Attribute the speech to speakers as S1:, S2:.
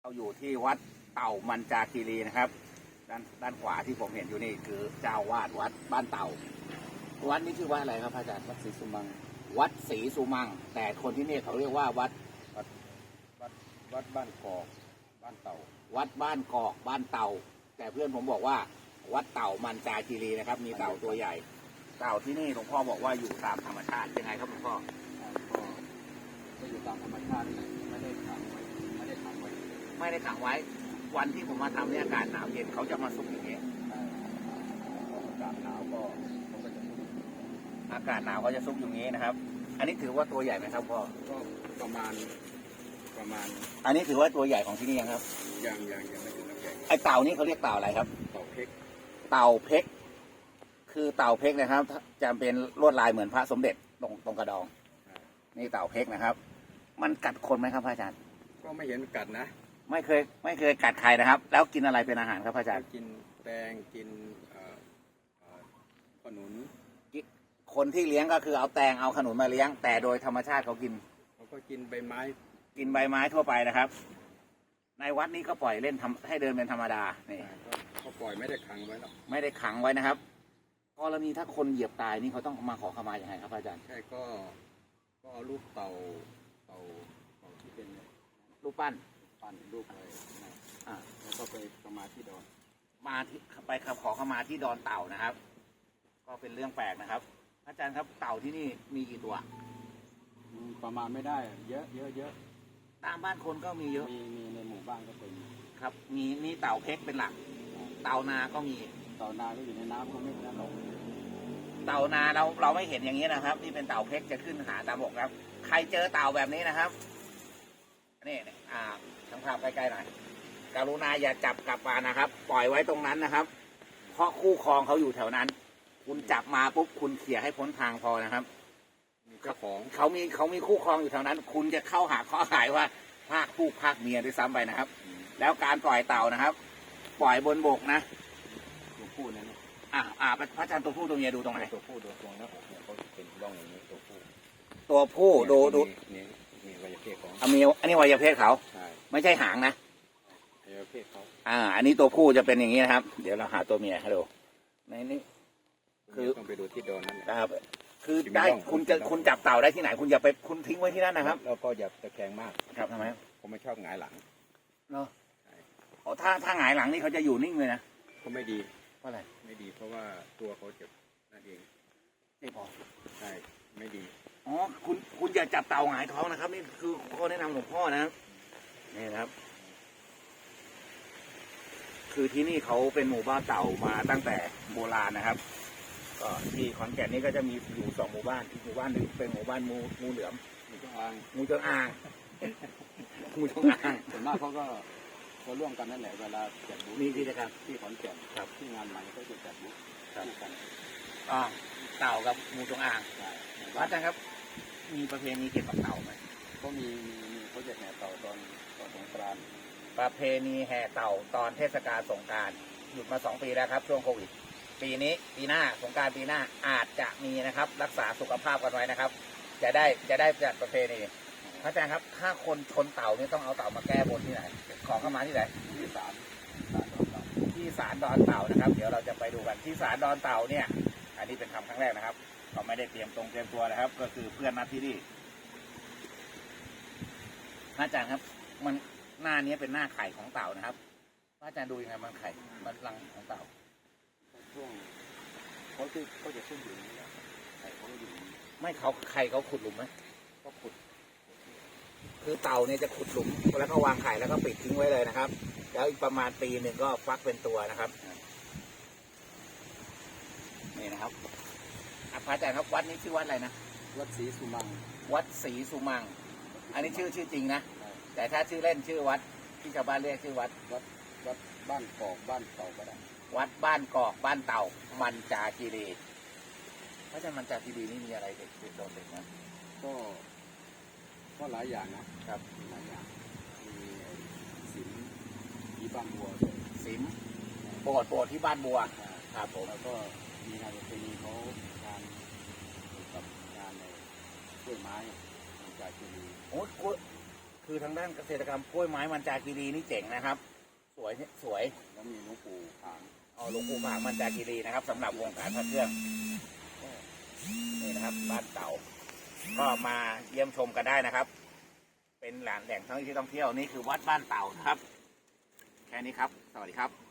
S1: เราอยู่ที่วัดเต่ามันจาคีรีนะครับด้านขวาที่ผมเห็นอยู่นี่คือเจ้าวาดวัดบ้านเต่าวัดนี้ชื่อว่าอะไรครับพระอาจารย์วัดศรีสุมังวัดศรีสุมังแต่คนที่นี่เขาเรียกว่าวัด
S2: บ้านกอกบ้านเต่า
S1: วัดบ้านกอกบ้านเต่าแต่เพื่อนผมบอกว่าวัดเต่ามันจาคีรีนะครับมีเต่าตัวใหญ่เต่าที่นี่หลวงพ่อบอกว่าอยู่ตามธรรมชาติยังไงครับหลวงพ่อ
S2: ก็อยู่ตามธรรมชาติไม่ได้ขังไว้ไม่ได้ขังไว้
S1: วันที่ผมมาทำเนี่ยอากาศหนาวเย็นเขาจะมาซุกอย่างนี้
S2: อากาศหนาวก็เขาก็จะซุก
S1: อากาศหนาวก็จะซุกอย่างนี้นะครับอันนี้ถือว่าตัวใหญ่ไหมครับพ่อ
S2: ก็ประมาณ
S1: อันนี้ถือว่าตัวใหญ่ของที่นี่ยังครับ
S2: ยังไม่ถึงน้ำใหญ่
S1: ไอเต่านี่เขาเรียกเต่าอะไรครับ
S2: เต่าเพก
S1: คือเต่าเพกนะครับจะเป็นลวดลายเหมือนพระสมเด็จตรงกระดองนี่เต่าเพกนะครับมันกัดคนไหมครับพระอาจารย์
S2: ก็ไม่เห็นกัดนะ
S1: ไม่เคยกัดใครนะครับแล้วกินอะไรเป็นอาหารครับพระอาจารย์
S2: กินแตงกินขนุน
S1: คนที่เลี้ยงก็คือเอาแตงเอาขนุนมาเลี้ยงแต่โดยธรรมชาติเขา
S2: ก็กินใบไม้
S1: ทั่วไปนะครับในวัดนี้ก็ปล่อยเล่นให้เดินเป็นธรรมดานี่
S2: ก็ปล่อยไม่ได้ขังไว้หรอก
S1: ไม่ได้ขังไว้นะครับกรณีถ้าคนเหยียบตายนี่เขาต้องมาขอขมาอย่างไรครับอาจารย์
S2: ใช่ก็เอารูปเต่าที่เป็น
S1: รูปปั้น
S2: รูปอะไรแล้วก็ไปขมาที่ดอน
S1: ไปขอขมาที่ดอนเต่านะครับ ก็เป็นเรื่องแปลกนะครับอาจารย์ครับเต่าที่นี่มีกี่ตัว
S2: ประมาณไม่ได้เยอะ
S1: ตามบ้านคนก็มีเยอะ
S2: มีในหมู่บ้านก็เป็น
S1: ครับมีเต่าเพกเป็นหลักเต่านาก็มี
S2: เต่านาก็อยู่ในน้ำก็ไม่ได้ลง
S1: เต่านาเราไม่เห็นอย่างนี้นะครับนี่เป็นเต่าเพกจะขึ้นหาตามบกครับใครเจอเต่าแบบนี้นะครับนี่ทั้งภาพใกล้ๆหน่อยกรุณาอย่าจับกลับมานะครับปล่อยไว้ตรงนั้นนะครับเพราะคู่ครองเขาอยู่แถวนั้นคุณจับมาปุ๊บคุณเขี่ยให้พ้นทางพอนะครับ
S2: เจ้าของ
S1: เขามีคู่ครองอยู่แถวนั้นคุณจะเข้าหาข้อหายว่าภาคผู้ภาคเมียด้วยซ้ำไปนะครับแล้วการปล่อยเต่านะครับปล่อยบนบกนะ
S2: ตัวผู้นั่น
S1: พระอาจารย์ตัวผู้ตัวเมียดูตรงไหน
S2: ตัวผู้ดูตรงแล้วเขาเป็นร่องอย่างนี้ตัว
S1: ผู้ดู
S2: มีวัยเพศของ
S1: อันนี้วัยเพศเขาไม่ใช่หางนะ
S2: วัยเพศเขา
S1: อันนี้ตัวผู้จะเป็นอย่างนี้นะครับเดี๋ยวเราหาตัวเมียให้ดูในนี้
S2: คือต้องไปดูที่โดนนั่น
S1: ครับคือได้คุณจับเต่าได้ที่ไหนคุณอย่าไปคุณทิ้งไว้ที่นั่นนะครับ
S2: แล้วก็อย่าตะแคงมาก
S1: ครับทำไม
S2: ผมไม่ชอบหงายหลัง
S1: เนาะถ้าหงายหลังนี่เขาจะอยู่นิ่งเลยนะ
S2: ก็ไม่ดี
S1: เพราะอะไร
S2: ไม่ดีเพราะว่าตัวเขาเจ็บนั่นเอง
S1: เจ็บพอ
S2: ใช่ไม่ดี
S1: คุณอย่าจับเต่าหงายท้องนะครับนี่คือข้อแนะนำหลวงพ่อนะนี่นะครับคือที่นี่เขาเป็นหมู่บ้านเต่ามาตั้งแต่โบราณนะครับก็ที่ขอนแก่นนี่ก็จะมีอยู่2 หมู่บ้านอีกหมู่บ้านหนึ่งเป็นหมู่บ้านงูเหลือม
S2: งูจงอาง
S1: ส่
S2: วนมากเขาก็ร่วมกันนั่นแหละเวลาจัดบูธ
S1: มีกิจกรรม
S2: ที่ขอนแก่น
S1: ครับ
S2: ที่งานใหม่ก็จะจัดบูธกัน
S1: เต่ากับงูจงอางอาจารย์ครับมีประเพณีเกี่ยวกับเต่าไหม
S2: ก็มีเขาจะแห่เต่าตอนสงกรานต์
S1: ประเพณีแห่เต่าตอนเทศกาลสงกรานต์หยุดมา2 ปีแล้วครับช่วงโควิดปีหน้าสงกรานต์ปีหน้าอาจจะมีนะครับรักษาสุขภาพกันไว้นะครับจะได้จัดประเพณีพระอาจารย์ครับถ้าคนชนเต่านี่ต้องเอาเต่ามาแก้บนที่ไหนขอเข้ามาที่ไหน
S2: ที่ศาล
S1: ดอนเต่านะครับเดี๋ยวเราจะไปดูกันที่ศาลดอนเต่าเนี่ยอันนี้เป็นครั้งแรกนะครับเราไม่ได้เตรียมตัวนะครับก็คือเพื่อนนัดที่นี่พระอาจารย์ครับมันหน้านี้เป็นหน้าไข่ของเต่านะครับพระอาจารย์ดูยังไงมันไข่มันรังของเต่า
S2: ช่วงเขาจะขึ้นอยู่นี่ไข่เขาอยู่
S1: ไม่ไข่เขาขุดหลุมไหม
S2: ก็ขุด
S1: คือเต่าเนี่ยจะขุดหลุมแล้วก็วางไข่แล้วก็ปิดทิ้งไว้เลยนะครับแล้วอีกประมาณ1 ปีก็ฟักเป็นตัวนะครับนี่นะครับพระอาจารย์ครับวัดนี้ชื่อวัดอะไรนะ
S2: วัดศรีสุมัง
S1: อันนี้ชื่อจริงนะแต่ถ้าชื่อเล่นชื่อวัดที่ชาวบ้านเรียกชื่อวัด
S2: บ้านกอกบ้านเต่าก็ได้
S1: วัดบ้านกอกบ้านเต่ามันจาคีรีพระอาจารย์มันจาคีรีนี่มีอะไรเด็ดโดดเด่นนะ
S2: ก็หลายอย่างนะครับหลายอย่างมีศิลป์ที่บ้านบัว
S1: ศิลป์โบสถ์ที่บ้านบัวครับผม
S2: แล้วก็มีงานประเพณีเขาการกับงานในกล้วยไม้มันจาคีรี
S1: คือทางด้านเกษตรกรรมกล้วยไม้มันจาคีรีนี่เจ๋งนะครับ สวยสวย
S2: แล้วมีหลวงปู่ขาง
S1: เอาหลวงปู่ผางมันจาคีรีนะครับสำหรับวงการพระเครื่องนี่นะครับบ้านเต่าก็มาเยี่ยมชมกันได้นะครับ เป็นแหล่งท่องเที่ยวนี่คือวัดบ้านเต่านะครับ แค่นี้ครับ สวัสดีครับ